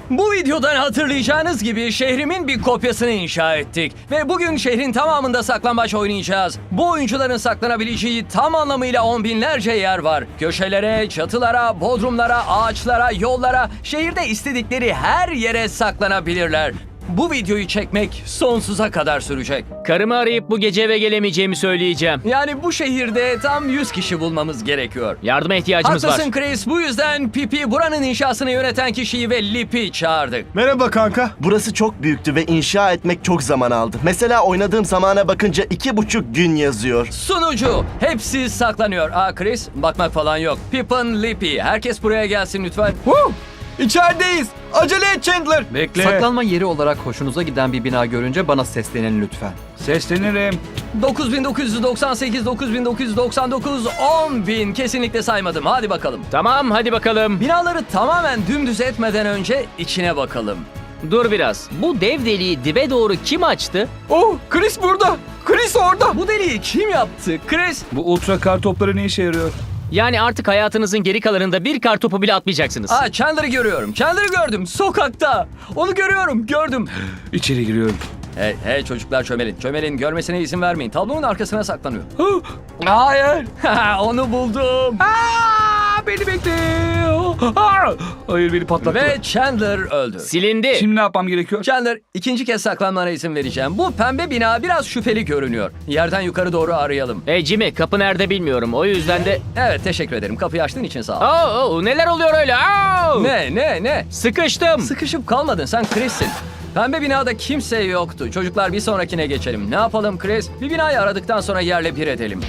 Bu videodan hatırlayacağınız gibi şehrimin bir kopyasını inşa ettik. Ve bugün şehrin tamamında saklambaç oynayacağız. Bu oyuncuların saklanabileceği tam anlamıyla on binlerce yer var. Köşelere, çatılara, bodrumlara, ağaçlara, yollara, şehirde istedikleri her yere saklanabilirler. Bu videoyu çekmek sonsuza kadar sürecek. Karımı arayıp bu gece eve gelemeyeceğimi söyleyeceğim. Yani bu şehirde tam 100 kişi bulmamız gerekiyor. Yardıma ihtiyacımız var. Haklısın Chris. Bu yüzden Pipi buranın inşasını yöneten kişiyi ve Lip'i çağırdık. Merhaba kanka. Burası çok büyüktü ve inşa etmek çok zaman aldı. Mesela oynadığım zamana bakınca 2,5 gün yazıyor. Sunucu. Hepsi saklanıyor. Chris bakmak falan yok. Pippin, Lip'i. Herkes buraya gelsin lütfen. İçerideyiz. Acele et Chandler. Bekle. Saklanma yeri olarak hoşunuza giden bir bina görünce bana seslenin lütfen. Seslenirim. 9998, 9999, 10.000. Kesinlikle saymadım. Hadi bakalım. Tamam, hadi bakalım. Binaları tamamen dümdüz etmeden önce içine bakalım. Dur biraz. Bu dev deliği dibe doğru kim açtı? Oh, Chris burada. Chris orada. Bu deliği kim yaptı? Chris. Bu ultra kar topları ne işe yarıyor? Yani artık hayatınızın geri kalanında bir kar topu bile atmayacaksınız. Chandler'ı görüyorum. Chandler'ı gördüm. Sokakta. Onu görüyorum. Gördüm. İçeri giriyorum. Hey çocuklar çömelin. Çömelin. Görmesine izin vermeyin. Tablonun arkasına saklanıyor. Hayır. Onu buldum. Beni bekle. Hayır, beni patlattı. Ve Chandler öldü. Silindi. Şimdi ne yapmam gerekiyor? Chandler, ikinci kez saklanmana izin vereceğim. Bu pembe bina biraz şüpheli görünüyor. Yerden yukarı doğru arayalım. Hey Jimmy, kapı nerede bilmiyorum. O yüzden de... Evet, teşekkür ederim. Kapıyı açtığın için sağ ol. Neler oluyor öyle? Ne? Sıkıştım. Sıkışıp kalmadın. Sen Chris'sin. Pembe binada kimse yoktu. Çocuklar bir sonrakine geçelim. Ne yapalım Chris? Bir binayı aradıktan sonra yerle bir edelim.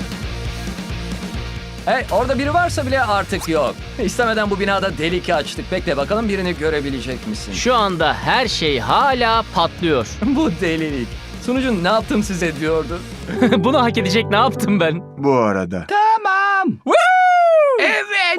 Hey, orada biri varsa bile artık yok. İstemeden bu binada delik açtık. Bekle bakalım birini görebilecek misin? Şu anda her şey hala patlıyor. Bu delilik. Sunucun ne yaptım size diyordu. Bunu hak edecek ne yaptım ben? Bu arada. Tamam. Evet.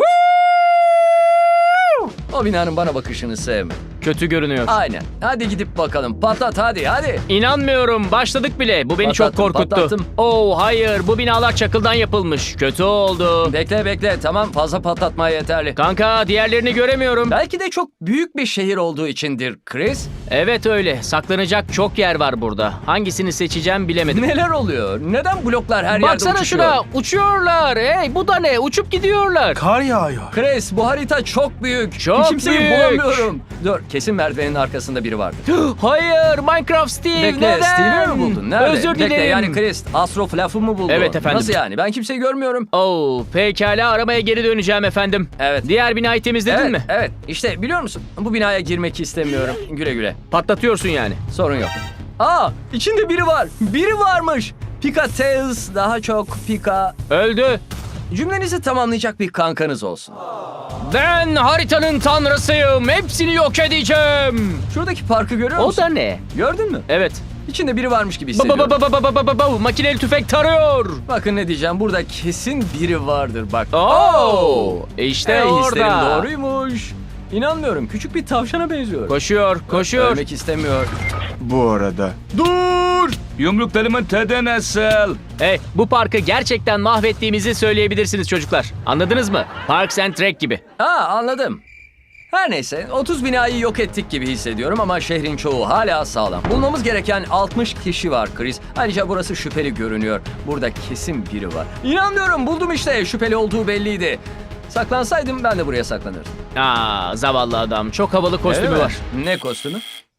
O binanın bana bakışını sevme. Kötü görünüyor. Aynen. Hadi gidip bakalım. Patlat hadi. İnanmıyorum. Başladık bile. Bu beni çok korkuttu. Patlattım. Hayır. Bu binalar çakıldan yapılmış. Kötü oldu. Bekle. Tamam, fazla patlatmaya yeterli. Kanka, diğerlerini göremiyorum. Belki de çok büyük bir şehir olduğu içindir Chris. Evet öyle. Saklanacak çok yer var burada. Hangisini seçeceğim bilemedim. Neler oluyor? Neden bloklar her yerde Baksana uçuşuyor? şuna. Uçuyorlar. Hey, bu da ne? Uçup gidiyorlar. Kar yağıyor. Chris, bu harita çok büyük. Çok Kimseyi büyük. bulamıyorum. Dur, kesin merdivenin arkasında biri vardı. Hayır. Minecraft Steve. Bekle, neden? Steve'i mi buldun? Nerede? Özür dilerim. Bekle, yani Chris, Astro Fluff'ı mı buldun? Evet efendim. Nasıl yani? Ben kimseyi görmüyorum. Pekala, aramaya geri döneceğim efendim. Evet. Diğer binayı temizledin mi? Evet. İşte biliyor musun? Bu binaya girmek istemiyorum. Güle güle. Patlatıyorsun yani. Sorun yok. İçinde biri var. Biri varmış. Pika Tails, daha çok Pika. Öldü. Cümlenizi tamamlayacak bir kankanız olsun. Ben haritanın tanrısıyım. Hepsini yok edeceğim. Şuradaki parkı görüyor O musun? da ne? Gördün mü? Evet. İçinde biri varmış gibi hissediyorum. Makineli tüfek tarıyor. Bakın ne diyeceğim. Burada kesin biri vardır bak. İşte Hislerim orada. doğruymuş. İnanmıyorum. Küçük bir tavşana benziyor. Koşuyor. Ölmek istemiyor. Bu arada. Dur. Yumruklarımın tadı nasıl? Hey, bu parkı gerçekten mahvettiğimizi söyleyebilirsiniz çocuklar. Anladınız mı? Parks and Rec gibi. Anladım. Her neyse 30 binayı yok ettik gibi hissediyorum ama şehrin çoğu hala sağlam. Bulmamız gereken 60 kişi var Chris. Ayrıca burası şüpheli görünüyor. Burada kesin biri var. İnanmıyorum, buldum işte. Şüpheli olduğu belliydi. Saklansaydım ben de buraya saklanırdım. Zavallı adam. Çok havalı kostümü Öyle mi? var. Ne kostümü?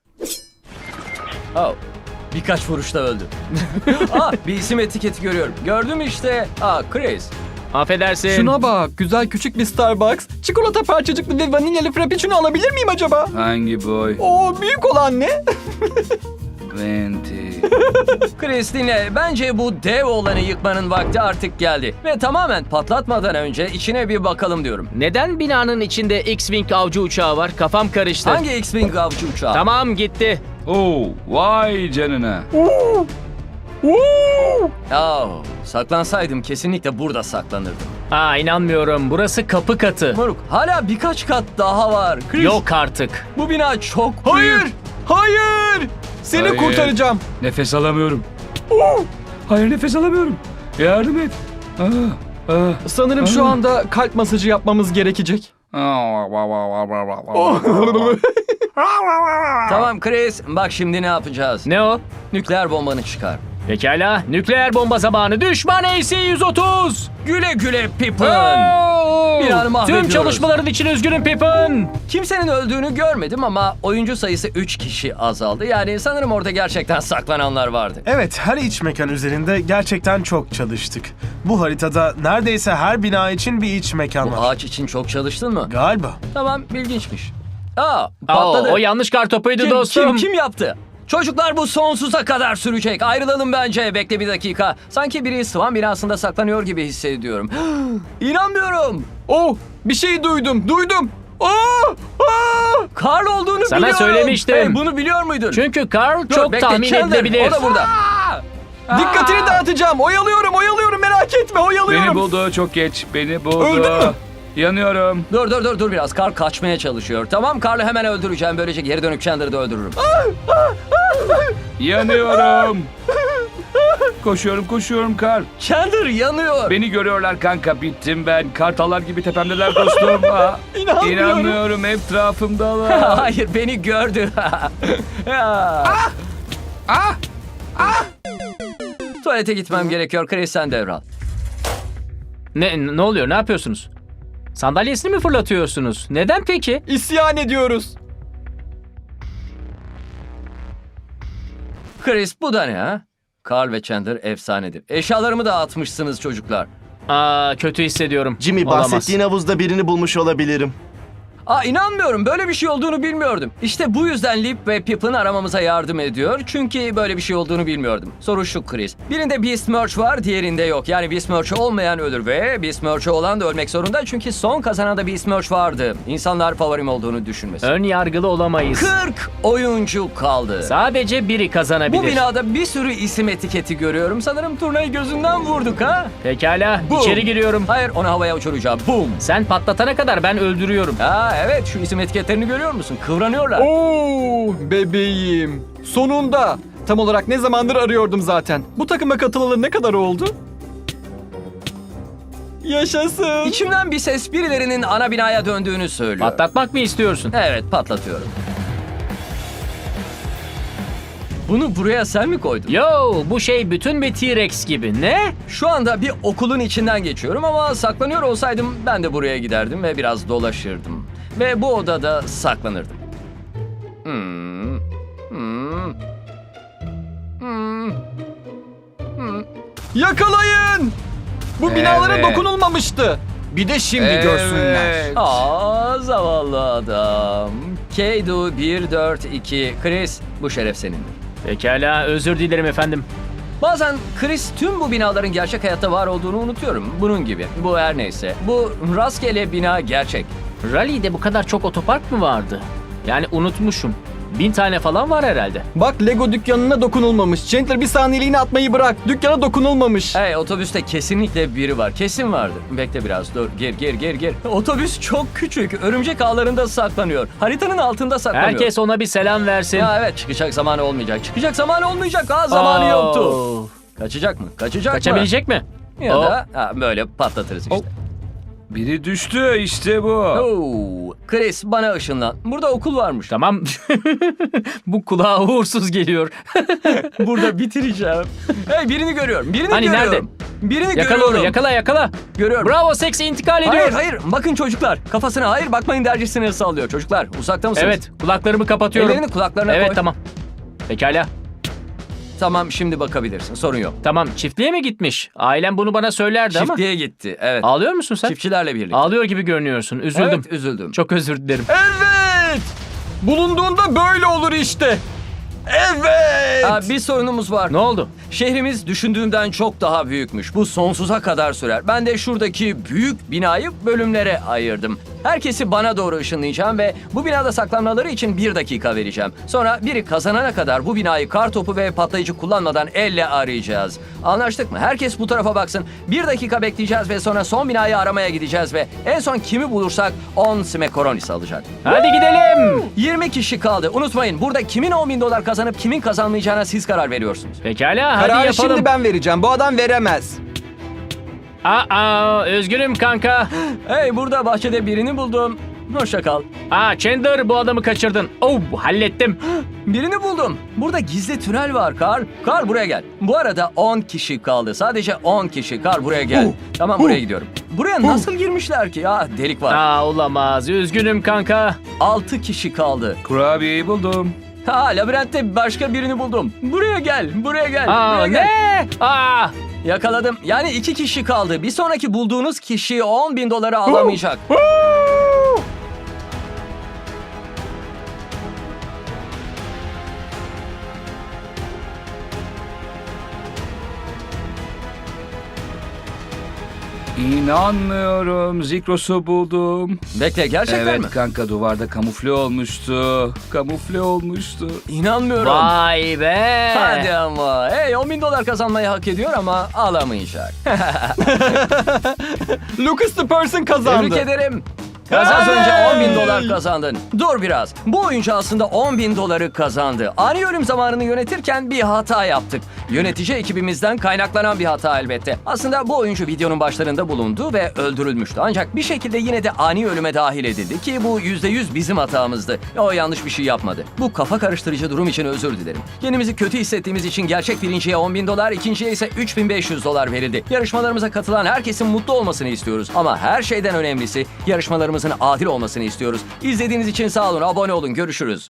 Birkaç vuruşta öldü. Bir isim etiketi görüyorum. Gördüm işte. Chris. Affedersin. Şuna bak, güzel küçük bir Starbucks. Çikolata parçacıklı ve vanilyalı frappuccino alabilir miyim acaba? Hangi boy? Büyük olan ne? Venti. Chris dinle. Bence bu dev olanı yıkmanın vakti artık geldi. Ve tamamen patlatmadan önce içine bir bakalım diyorum. Neden binanın içinde X-Wing avcı uçağı var? Kafam karıştı. Hangi X-Wing avcı uçağı? Tamam, gitti. Vay canına. Saklansaydım kesinlikle burada saklanırdım. İnanmıyorum. Burası kapı katı. Moruk, hala birkaç kat daha var. Chris, Yok artık. bu bina çok büyük. Hayır! Seni Hayır. kurtaracağım. Nefes alamıyorum. Hayır, nefes alamıyorum. Yardım et. Sanırım şu anda kalp masajı yapmamız gerekecek. Tamam Chris, bak şimdi ne yapacağız? Ne o? Nükleer bombanı çıkar. Pekala. Nükleer bomba zamanı. Düşman AC-130. Güle güle Pippin. Binanı mahvediyoruz. Tüm çalışmaların için üzgünüm Pippin. Kimsenin öldüğünü görmedim ama oyuncu sayısı 3 kişi azaldı. Yani sanırım orada gerçekten saklananlar vardı. Evet, her iç mekan üzerinde gerçekten çok çalıştık. Bu haritada neredeyse her bina için bir iç mekan Bu var. ağaç için çok çalıştın mı? Galiba. Tamam, ilginçmiş. Patladı. O yanlış kartopuydu dostum. Kim yaptı? Çocuklar bu sonsuza kadar sürecek. Ayrılalım bence. Bekle bir dakika. Sanki biri Swan binasında saklanıyor gibi hissediyorum. İnanmıyorum. Oh, bir şey duydum. Karl olduğunu Sana biliyorum. söylemiştim. Hey, bunu biliyor muydun? Çünkü Carl Dur, çok bekle, tahmin Chandler, edilebilir. O da burada. Dikkatini dağıtacağım. Oyalıyorum merak etme oyalıyorum. Beni buldu, çok geç. Beni buldu. Öldün mü? Yanıyorum. Dur biraz. Karl kaçmaya çalışıyor. Tamam, Karl'ı hemen öldüreceğim. Böylece geri dönüp Chandler'ı da öldürürüm. Yanıyorum. Koşuyorum Karl. Chandler yanıyor. Beni görüyorlar kanka, bittim ben. Kartallar gibi tepemdeler dostum. İnanmıyorum, etrafımdalar. Hayır, beni gördü. Tuvalete gitmem gerekiyor. Chris, sen devral. Ne oluyor? Ne yapıyorsunuz? Sandalyesini mi fırlatıyorsunuz? Neden peki? İsyan ediyoruz. Chris, bu da ne ha? Carl ve Chandler efsanedir. Eşyalarımı da atmışsınız çocuklar. Kötü hissediyorum. Jimmy, Olamaz. bahsettiğin havuzda birini bulmuş olabilirim. İnanmıyorum. Böyle bir şey olduğunu bilmiyordum. İşte bu yüzden Lip ve Pippin aramamıza yardım ediyor. Çünkü böyle bir şey olduğunu bilmiyordum. Soru şu Chris. Birinde Beast Merch var, diğerinde yok. Yani Beast Merch'ü olmayan ölür ve Beast Merch'ü olan da ölmek zorunda. Çünkü son kazanan da Beast Merch vardı. İnsanlar favorim olduğunu düşünmesin. Ön yargılı olamayız. 40 oyuncu kaldı. Sadece biri kazanabilir. Bu binada bir sürü isim etiketi görüyorum. Sanırım turnayı gözünden vurduk ha? Pekala, Boom. içeri giriyorum. Hayır, onu havaya uçuracağım. Boom. Sen patlatana kadar ben öldürüyorum. Evet, şu isim etiketlerini görüyor musun? Kıvranıyorlar. Oo, bebeğim. Sonunda. Tam olarak ne zamandır arıyordum zaten. Bu takıma katılalı ne kadar oldu? Yaşasın. İçimden bir ses birilerinin ana binaya döndüğünü söylüyor. Patlatmak mı istiyorsun? Evet, patlatıyorum. Bunu buraya sen mi koydun? Yo, bu şey bütün bir T-Rex gibi. Ne? Şu anda bir okulun içinden geçiyorum ama saklanıyor olsaydım ben de buraya giderdim ve biraz dolaşırdım. Ve bu odada saklanırdım. Yakalayın. Bu binalara Evet. dokunulmamıştı. Bir de şimdi görsünler. Evet. Zavallı adam. Keydu 142. Chris, bu şeref senindir. Pekala, özür dilerim efendim. Bazen Chris tüm bu binaların gerçek hayatta var olduğunu unutuyorum. Bunun gibi. Bu her neyse. Bu rastgele bina gerçek. Rally'de bu kadar çok otopark mı vardı? Yani unutmuşum. 1000 tane falan var herhalde. Bak, Lego dükkanına dokunulmamış. Chandler, bir saniyeliğine atmayı bırak. Dükkana dokunulmamış. Hey, otobüste kesinlikle biri var. Kesin vardı. Bekle biraz, dur. Gir. Otobüs çok küçük. Örümcek ağlarında saklanıyor. Haritanın altında saklanıyor. Herkes ona bir selam versin. Ya evet, çıkacak zamanı olmayacak. Zamanı yoktu. Kaçacak mı? Kaçabilecek mi? Ya Oo. da böyle patlatırız işte. Biri düştü, işte bu. Oo. Chris, bana ışınlan. Burada okul varmış. Tamam. Bu kulağa uğursuz geliyor. Burada bitireceğim. Hey, birini görüyorum. Hani görüyorum. nerede? Birini Yakala görüyorum. onu, yakala. Görüyorum. Bravo, Sex intikal ediyor. Hayır. Bakın çocuklar. Kafasına hayır bakmayın dercesine sallıyor. Çocuklar, uzakta mısınız? Evet, kulaklarımı kapatıyorum. Ellerini kulaklarına koy. Evet, tamam. Pekala. Tamam, şimdi bakabilirsin. Sorun yok. Tamam, çiftliğe mi gitmiş? Ailem bunu bana söylerdi ama. Çiftliğe gitti. Evet. Ağlıyor musun sen? Çiftçilerle birlikte. Ağlıyor gibi görünüyorsun. Üzüldüm. Evet, üzüldüm. Çok özür dilerim. Evet. Bulunduğunda böyle olur işte. Evet. Bir sorunumuz var. Ne oldu? Şehrimiz düşündüğümden çok daha büyükmüş. Bu sonsuza kadar sürer. Ben de şuradaki büyük binayı bölümlere ayırdım. Herkesi bana doğru ışınlayacağım ve bu binada saklanmaları için 1 dakika vereceğim. Sonra biri kazanana kadar bu binayı kartopu ve patlayıcı kullanmadan elle arayacağız. Anlaştık mı? Herkes bu tarafa baksın. 1 dakika bekleyeceğiz ve sonra son binayı aramaya gideceğiz ve en son kimi bulursak 10 smekoronis alacak. Hadi gidelim. 20 kişi kaldı. Unutmayın, burada kimin $10.000 kazanıp kimin kazanmayacağına siz karar veriyorsunuz. Pekala, hadi Kararı yapalım. şimdi ben vereceğim. Bu adam veremez. Üzgünüm kanka. Hey, burada bahçede birini buldum. Hoşça kal. Chandler, bu adamı kaçırdın. Oh, hallettim. Birini buldum. Burada gizli tünel var Carl. Carl buraya gel. Bu arada 10 kişi kaldı. Sadece 10 kişi. Carl buraya gel. Tamam, buraya gidiyorum. Buraya nasıl girmişler ki ya? Delik var. Olamaz. Üzgünüm kanka. 6 kişi kaldı. Kurabiyeyi buldum. Labirentte başka birini buldum. Buraya gel. Buraya gel. Buraya gel. Ne? Yakaladım. Yani 2 kişi kaldı. Bir sonraki bulduğunuz kişi $10.000 alamayacak. İnanmıyorum. Zikros'u buldum. Bekle, gerçekten Evet mi? kanka, duvarda kamufle olmuştu. Kamufle olmuştu. İnanmıyorum. Vay be. Hadi ama. Hey, $10.000 kazanmayı hak ediyor ama alamayacak. Lucas the Person kazandı. Tebrik ederim. Az önce $10.000 kazandın. Dur biraz. Bu oyuncu aslında $10.000 kazandı. Ani ölüm zamanını yönetirken bir hata yaptık. Yönetici ekibimizden kaynaklanan bir hata elbette. Aslında bu oyuncu videonun başlarında bulundu ve öldürülmüştü. Ancak bir şekilde yine de ani ölüme dahil edildi ki bu %100 bizim hatamızdı. O yanlış bir şey yapmadı. Bu kafa karıştırıcı durum için özür dilerim. Kendimizi kötü hissettiğimiz için gerçek birinciye $10.000, ikinciye ise $3.500 verildi. Yarışmalarımıza katılan herkesin mutlu olmasını istiyoruz. Ama her şeyden önemlisi yarışmalarımızın adil olmasını istiyoruz. İzlediğiniz için sağ olun, abone olun, görüşürüz.